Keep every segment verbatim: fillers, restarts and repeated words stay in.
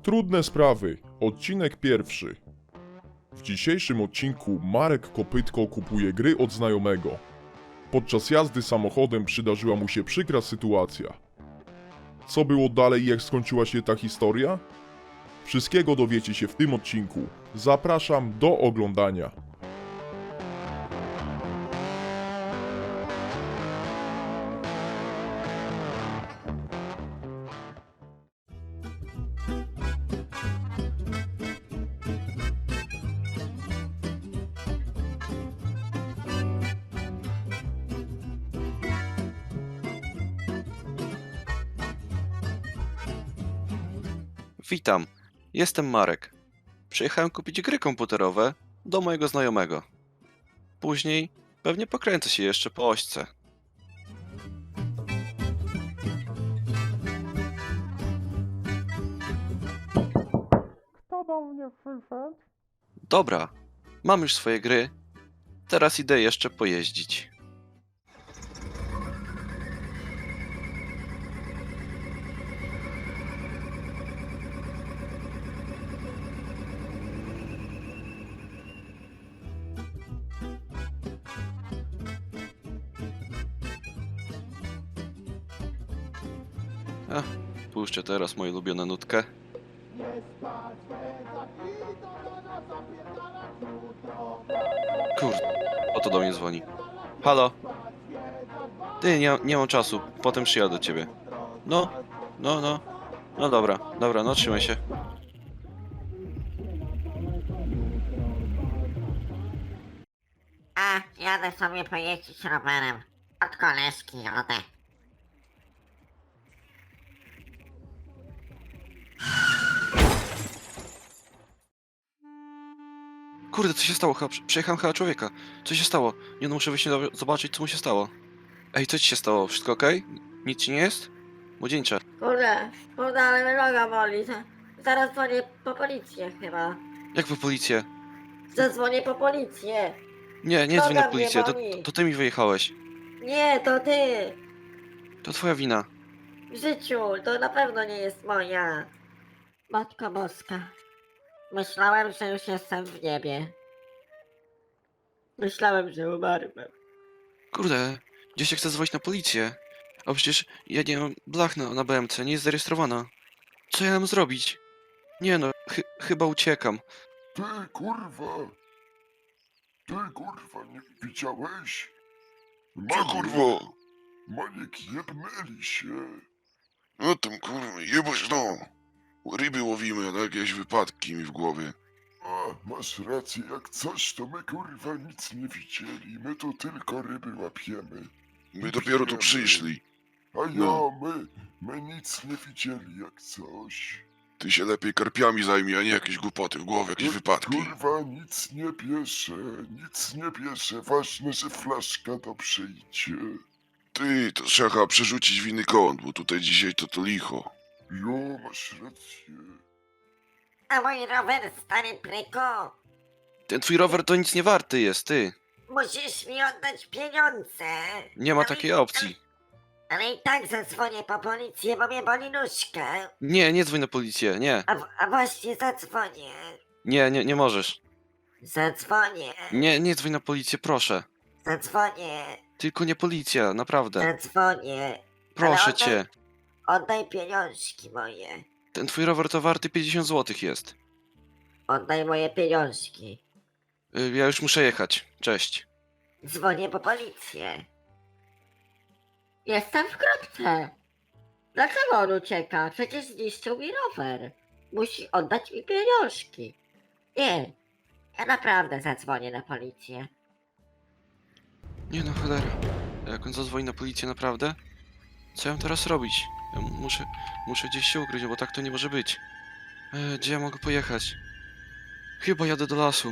Trudne sprawy. Odcinek pierwszy. W dzisiejszym odcinku Marek Kopytko kupuje gry od znajomego. Podczas jazdy samochodem przydarzyła mu się przykra sytuacja. Co było dalej i jak skończyła się ta historia? Wszystkiego dowiecie się w tym odcinku. Zapraszam do oglądania. Witam, jestem Marek. Przyjechałem kupić gry komputerowe do mojego znajomego. Później pewnie pokręcę się jeszcze po ośce. Kto do mnie przyszedł? Dobra, mam już swoje gry. Teraz idę jeszcze pojeździć. A, puszczę teraz moją ulubioną nutkę. Kurde, oto do mnie dzwoni. Halo? Ty, nie, nie mam czasu, potem przyjadę do ciebie. No, no, no. No dobra, dobra, no trzymaj się. A, jadę sobie pojeździć rowerem. Od koleżki jadę. Kurde, co się stało? Chyba, prze- przejechałem chyba człowieka. Co się stało? Nie no, muszę wyjść do- zobaczyć, co mu się stało. Ej, co ci się stało? Wszystko okej? Nic ci nie jest? Młodzieńcze. Kurde, kurde, ale mnie noga boli. Za- Zaraz dzwonię po policję chyba. Jak po policję? Zadzwonię po policję. Nie, nie Noga dzwoń na mnie policję, to, boli. to ty mi wyjechałeś. Nie, to ty. To twoja wina. W życiu, to na pewno nie jest moja. Matko Boska. Myślałem, że już jestem w niebie. Myślałem, że umarłem. Kurde, gdzieś się chce dzwonić na policję. A przecież ja nie mam blach na, na B M C, nie jest zarejestrowana. Co ja mam zrobić? Nie no, chy, chyba uciekam. Ty kurwa! Ty kurwa, nie widziałeś? Co kurwa? Maniek jebnęli się. No tam kurwa, jebać no. Ryby łowimy, a jakieś wypadki mi w głowie. A, masz rację, jak coś, to my kurwa nic nie widzieli. My tu tylko ryby łapiemy. My dopiero tu przyszli. A ja, No. my, my nic nie widzieli jak coś. Ty się lepiej karpiami zajmij, a nie jakieś głupoty w głowie, jakieś Kur- wypadki. Kurwa, nic nie bierze, nic nie bierze. Ważne, że flaszka to przyjdzie. Ty, to trzeba chyba przerzucić w inny kąt, bo tutaj dzisiaj to to licho. Jo, masz rację. A mój rower, stary pryko. Ten twój rower to nic nie warty jest, ty. Musisz mi oddać pieniądze. Nie ma Ale- takiej opcji. Ale i tak zadzwonię po policję, bo mnie boli nóżka. Nie, nie dzwoń na policję, nie. A, w- a właśnie zadzwonię. Nie, nie, nie możesz. Zadzwonię. Nie, nie dzwoń na policję, proszę. Zadzwonię. Tylko nie policja, naprawdę. Zadzwonię. Proszę Ale cię. oddaj, oddaj pieniążki moje. Ten twój rower to warty pięćdziesiąt złotych jest. Oddaj moje pieniążki. Y, Ja już muszę jechać. Cześć. Dzwonię po policję. Jestem w kropce. Dlaczego on ucieka? Przecież zniszczył mi rower. Musi oddać mi pieniążki. Nie. Ja naprawdę zadzwonię na policję. Nie no, cholera. Jak on zadzwoni na policję naprawdę? Co ja mam teraz robić? Ja muszę, muszę gdzieś się ukryć, bo tak to nie może być. E, gdzie ja mogę pojechać? Chyba jadę do lasu.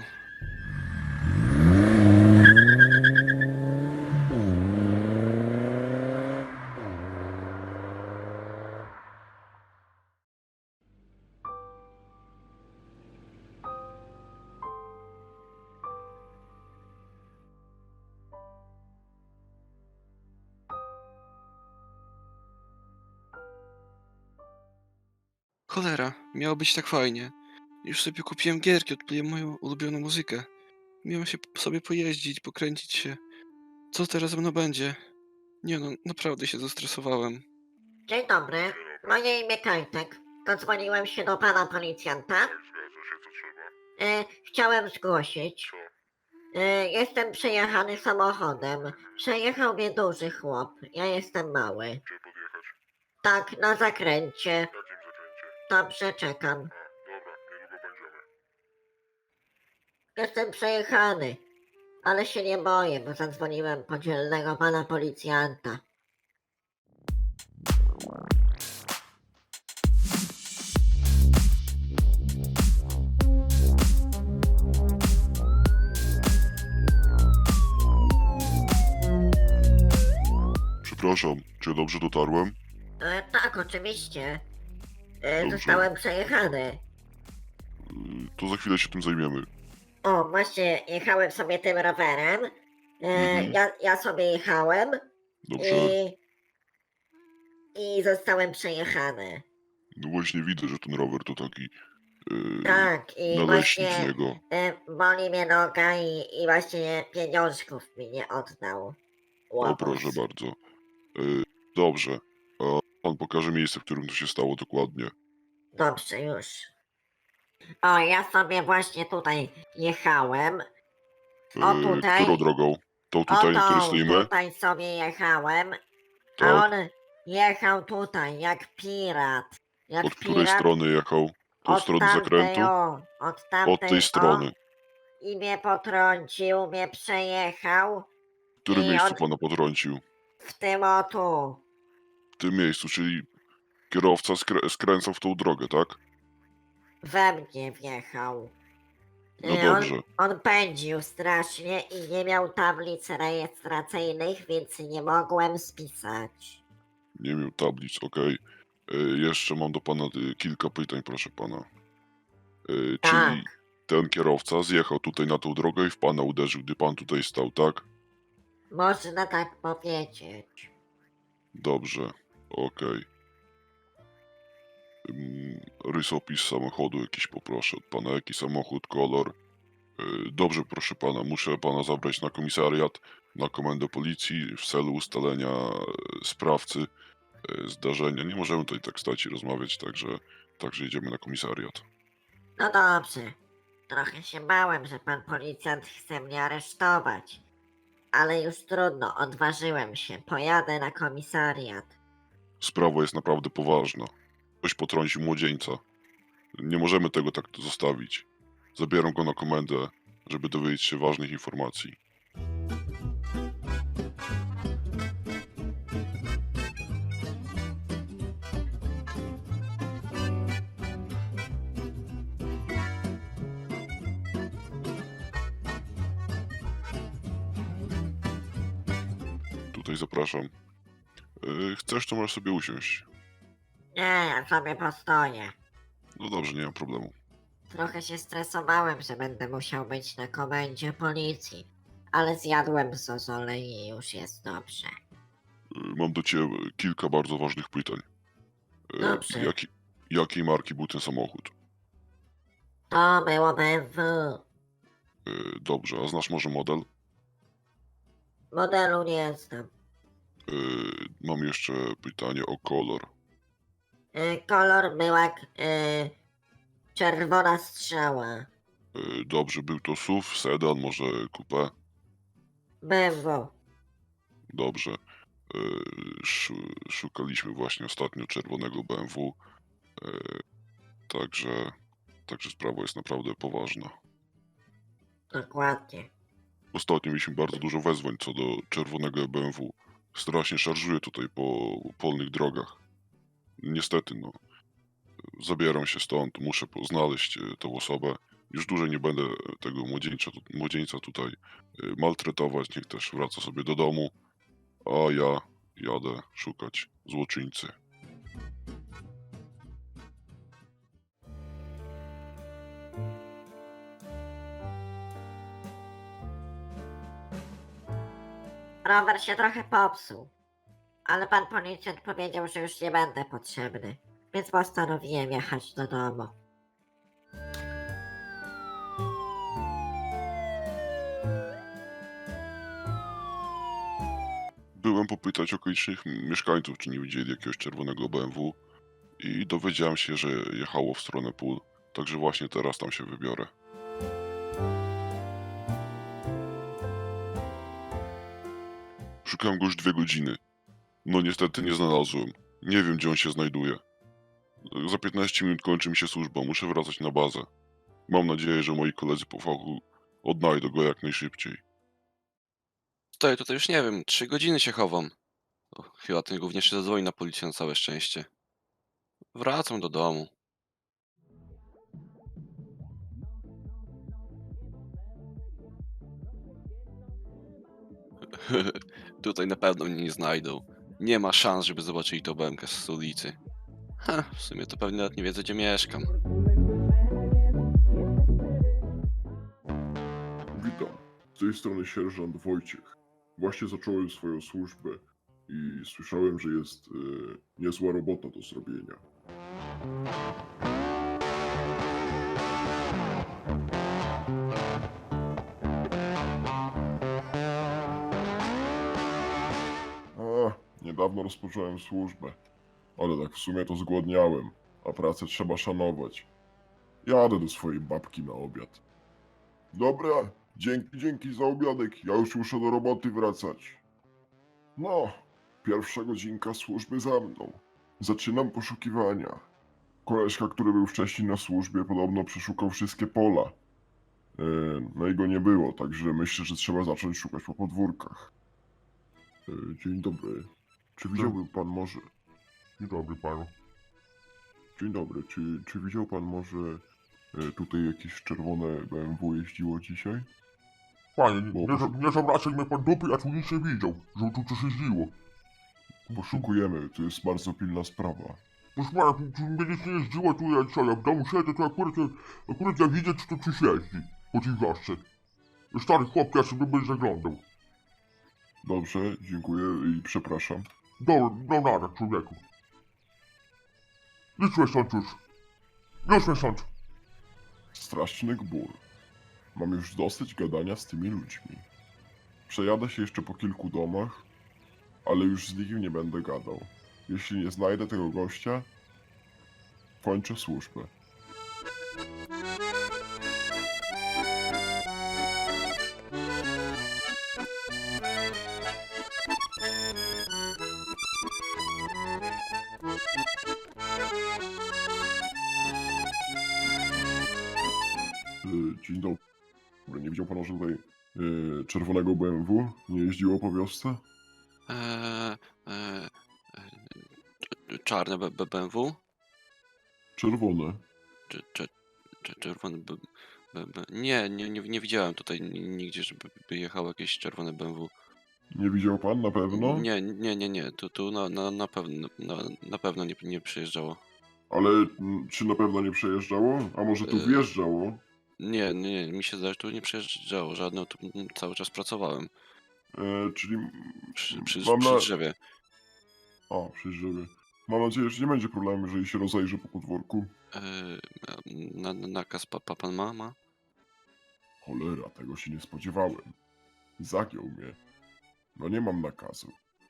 Cholera, miało być tak fajnie. Już sobie kupiłem gierki, odpaliłem moją ulubioną muzykę. Miałem się p- sobie pojeździć, pokręcić się. Co teraz ze mną będzie? Nie no, naprawdę się zestresowałem. Dzień dobry, moje imię Kajtek. Dodzwoniłem się do pana policjanta. E, chciałem zgłosić. E, jestem przejechany samochodem. Przejechał mnie duży chłop. Ja jestem mały. Tak, na zakręcie. Dobrze, czekam. Jestem przejechany. Ale się nie boję, bo zadzwoniłem po dzielnego pana policjanta. Przepraszam, czy ja dobrze dotarłem? E, tak, oczywiście. E, Dobrze. zostałem przejechany. Y, To za chwilę się tym zajmiemy. O, właśnie jechałem sobie tym rowerem. E, Mhm. ja, ja sobie jechałem Dobrze. i, i zostałem przejechany. No właśnie widzę, że ten rower to taki yy, Tak, i naleśnik z właśnie niego. e, boli mnie noga i, i właśnie pieniążków mi nie oddał. O, Łobuz. proszę bardzo. Yy, dobrze. A pan pokaże miejsce, w którym to się stało dokładnie. Dobrze, już. O, ja sobie właśnie tutaj jechałem. O, Yy, tutaj. którą drogą? Tą O, tutaj, na której tą, stoimy? tutaj sobie jechałem. A Tak. on jechał tutaj, jak pirat. Jak Od której pirat. strony jechał? To od Od strony tamtej, zakrętu? o, od tamtej, Od tej strony. O, i mnie potrącił, mnie przejechał. W którym I miejscu on pana potrącił? w tym o tu. W tym miejscu, czyli kierowca skrę- skręcał w tą drogę, tak? We mnie wjechał. No I dobrze. On, on pędził strasznie i nie miał tablic rejestracyjnych, więc nie mogłem spisać. Nie miał tablic, okej. Y, Jeszcze mam do pana y, kilka pytań, proszę pana. Y, Tak, Czyli ten kierowca zjechał tutaj na tą drogę i w pana uderzył, gdy pan tutaj stał, tak? można tak powiedzieć. Dobrze, okej. Ym, Rysopis samochodu jakiś poproszę od pana, jaki samochód, kolor. Y, Dobrze, proszę pana, muszę pana zabrać na komisariat, na komendę policji w celu ustalenia y, sprawcy y, zdarzenia. Nie możemy tutaj tak stać i rozmawiać, także, także jedziemy na komisariat. No dobrze. Trochę się bałem, że pan policjant chce mnie aresztować. Ale już trudno, odważyłem się. Pojadę na komisariat. Sprawa jest naprawdę poważna. Ktoś potrącił młodzieńca. Nie możemy tego tak zostawić. Zabieram go na komendę, żeby dowiedzieć się ważnych informacji. Tutaj zapraszam. Yy, chcesz, to możesz sobie usiąść. Nie, ja sobie postoję. No dobrze, nie ma problemu. Trochę się stresowałem, że będę musiał być na komendzie policji. Ale zjadłem zozole i już jest dobrze. Yy, mam do ciebie kilka bardzo ważnych pytań. Yy, Dobrze. jaki, jakiej marki był ten samochód? To było B M W. Yy, dobrze, a znasz może model? Modelu nie znam. Yy, mam jeszcze pytanie o kolor. Y, kolor był jak y, czerwona strzała. Yy, dobrze, był to S U V, sedan, może coupé? B M W. Dobrze. Yy, szu- szukaliśmy właśnie ostatnio czerwonego B M W. Yy, także, także sprawa jest naprawdę poważna. Dokładnie. Ostatnio mieliśmy bardzo dużo wezwań co do czerwonego B M W. Strasznie szarżuje tutaj po polnych drogach. Niestety, no. Zabieram się stąd, muszę po- znaleźć e, tę osobę. Już dłużej nie będę tego młodzieńca, tu- młodzieńca tutaj e, maltretować. Niech też wraca sobie do domu. A ja jadę szukać złoczyńcy. Rower się trochę popsuł. Ale pan policjant powiedział, że już nie będę potrzebny. więc postanowiłem jechać do domu. Byłem popytać okolicznych mieszkańców, czy nie widzieli jakiegoś czerwonego B M W i dowiedziałem się, że jechało w stronę pól, także właśnie teraz tam się wybiorę. Szukałem go już dwie godziny. No niestety nie znalazłem. Nie wiem, gdzie on się znajduje. Za piętnaście minut kończy mi się służba, muszę wracać na bazę. Mam nadzieję, że moi koledzy po fachu odnajdą go jak najszybciej. Stoję tutaj już nie wiem, trzy godziny się chowam. O, chyba ten gówniarz się zadzwoni na policję na całe szczęście. Wracam do domu. Tutaj na pewno mnie nie znajdą. Nie ma szans, żeby zobaczyli to B M K z ulicy. Ha, w sumie to pewnie nawet nie wiedzą, gdzie mieszkam. Witam, z tej strony sierżant Wojciech. Właśnie zacząłem swoją służbę i słyszałem, że jest e, niezła robota do zrobienia. A, niedawno rozpocząłem służbę, ale tak w sumie to zgłodniałem, a pracę trzeba szanować. Jadę do swojej babki na obiad. Dobra, dzięki, dzięki za obiadek. Ja już muszę do roboty wracać. No, pierwsza godzinka służby za mną. Zaczynam poszukiwania. Koleżka, który był wcześniej na służbie, podobno przeszukał wszystkie pola. Yy, no i go nie było, także myślę, że trzeba zacząć szukać po podwórkach. Yy, dzień dobry. Czy widziałby pan może... Dzień dobry panu. Dzień dobry. Czy, czy widział pan może... E, Tutaj jakieś czerwone B M W jeździło dzisiaj? Panie, Bo nie, nie, poszu- nie zawracaj mnie pan dupy, ja tu nic nie widział, że tu coś jeździło. Poszukujemy, to jest bardzo pilna sprawa. Proszę pana, tu, tu mnie nic nie jeździło, tu ja co, ja w domu siedzę, to akurat, akurat ja widzę, czy to coś jeździ po tej wiosce. Stary chłop, ja sobie będę zaglądał. Dobrze, dziękuję i przepraszam. Do, do nara, człowieku. Idź mnie stąd już. Już mnie stąd. Straszny gbur. Mam już dosyć gadania z tymi ludźmi. Przejadę się jeszcze po kilku domach, ale już z nikim nie będę gadał. Jeśli nie znajdę tego gościa, kończę służbę. Y, Dzień dobry. Nie widział pan, że tutaj y, czerwonego B M W nie jeździło po wiosce? Eee, eee, e, czarne B- B- BMW? Czerwone. Czy, czy, czy czerwone B, B, B. Nie, nie, nie, nie widziałem tutaj ni- nigdzie, żeby by jechało jakieś czerwone B M W. Nie widział pan na pewno? Nie, nie, nie, nie. Tu, tu na, na, na pewno, na, na pewno nie, nie przyjeżdżało. Ale mm, czy na pewno nie przejeżdżało? A może tu Y- wjeżdżało? Nie, nie, mi się zdaje, że tu nie przyjeżdżało żadne, tu mm, cały czas pracowałem E, czyli przy, przy, mam przy na... drzewie. O, przy drzewie. Mam nadzieję, że nie będzie problemu, jeżeli się rozejrzy po podwórku. Eee, na, na, nakaz pa, pa, pan ma? ma? Cholera, tego się nie spodziewałem. Zagiął mnie. No nie mam nakazu.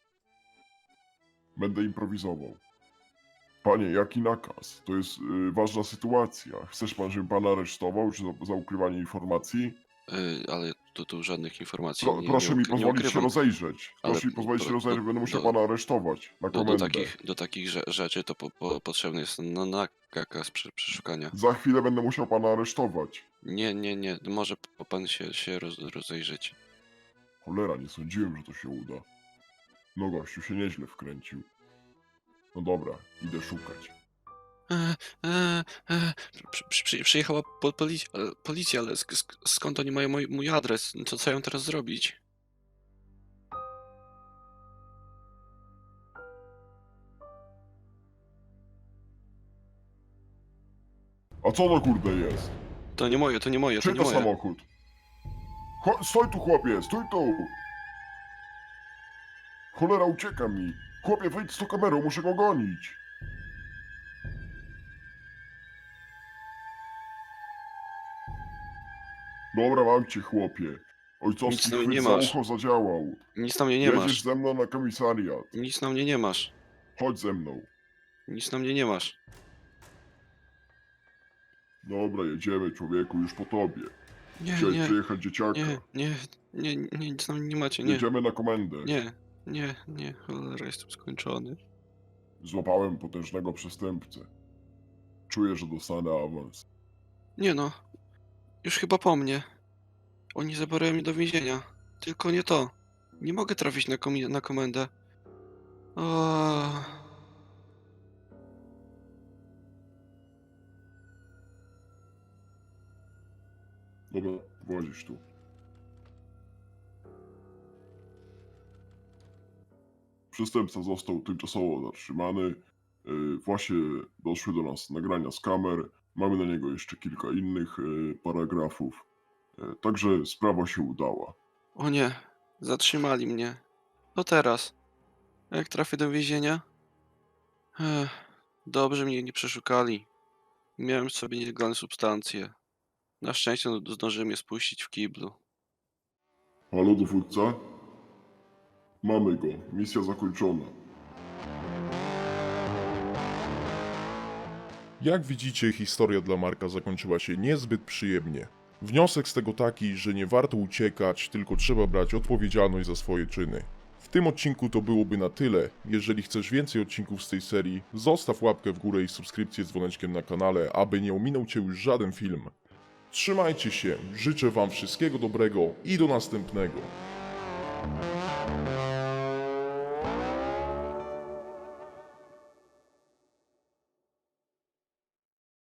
Będę improwizował. Panie, jaki nakaz? To jest y, ważna sytuacja. Chcesz pan, żebym pana aresztował, czy za, za ukrywanie informacji? Eee, ale tu, tu żadnych informacji Pro, nie, proszę nie, mi uk- nie pozwolić się ukrywam. rozejrzeć. Ale Proszę mi pozwolić do- się rozejrzeć, do- będę musiał do- pana aresztować na Do, do, komendę. takich, do takich rze- rzeczy to po, po, potrzebny jest na, nakaz przy, przeszukania. Za chwilę będę musiał pana aresztować. Nie, nie, nie, może p- pan się, się roz, rozejrzeć. Cholera, nie sądziłem, że to się uda. No gościu się nieźle wkręcił. No dobra, idę szukać. E, e, e, przy, przy, przy- przyjechała po, policja, policja, ale sk, sk, skąd oni mają mój, mój adres? Co, co ja mam teraz zrobić? A co to kurde jest? To nie moje, to nie moje, to Czyj nie to moje. samochód? Cho stój tu chłopie, stój tu! Cholera, ucieka mi. Chłopie, wyjdź z tą kamerą, muszę go gonić. Dobra, mam cię, chłopie. Ojcowski Nic na mnie chwyt nie za masz. ucho zadziałał. Nic na mnie nie Jedziesz masz. ze mną na komisariat. Nic na mnie nie masz. Chodź ze mną. Nic na mnie nie masz. Dobra, jedziemy, człowieku, już po tobie. Nie, Chciałeś nie, przyjechać dzieciaka. nie, nie, nie, nie, nic na mnie nie macie, nie. Jedziemy na komendę. Nie, nie, nie, cholera, jestem skończony. Złapałem potężnego przestępcę. Czuję, że dostanę awans. Nie no, już chyba po mnie. Oni zabiorą mnie do więzienia. Tylko nie to. Nie mogę trafić na, komi- na komendę. O... Dobra, włazisz tu. Przestępca został tymczasowo zatrzymany. Yy, Właśnie doszły do nas nagrania z kamer. Mamy na niego jeszcze kilka innych yy, paragrafów. Yy, Także sprawa się udała. o nie, zatrzymali mnie. No teraz. A jak trafię do więzienia? Ech, dobrze mnie nie przeszukali. Miałem w sobie nielegalne substancje. Na szczęście no, zdążyłem je spuścić w kiblu. Halo, dowódca? Mamy go. Misja zakończona. Jak widzicie, historia dla Marka zakończyła się niezbyt przyjemnie. Wniosek z tego taki, że nie warto uciekać, tylko trzeba brać odpowiedzialność za swoje czyny. W tym odcinku to byłoby na tyle. Jeżeli chcesz więcej odcinków z tej serii, zostaw łapkę w górę i subskrypcję z dzwoneczkiem na kanale, aby nie ominął Cię już żaden film. Trzymajcie się, życzę Wam wszystkiego dobrego i do następnego.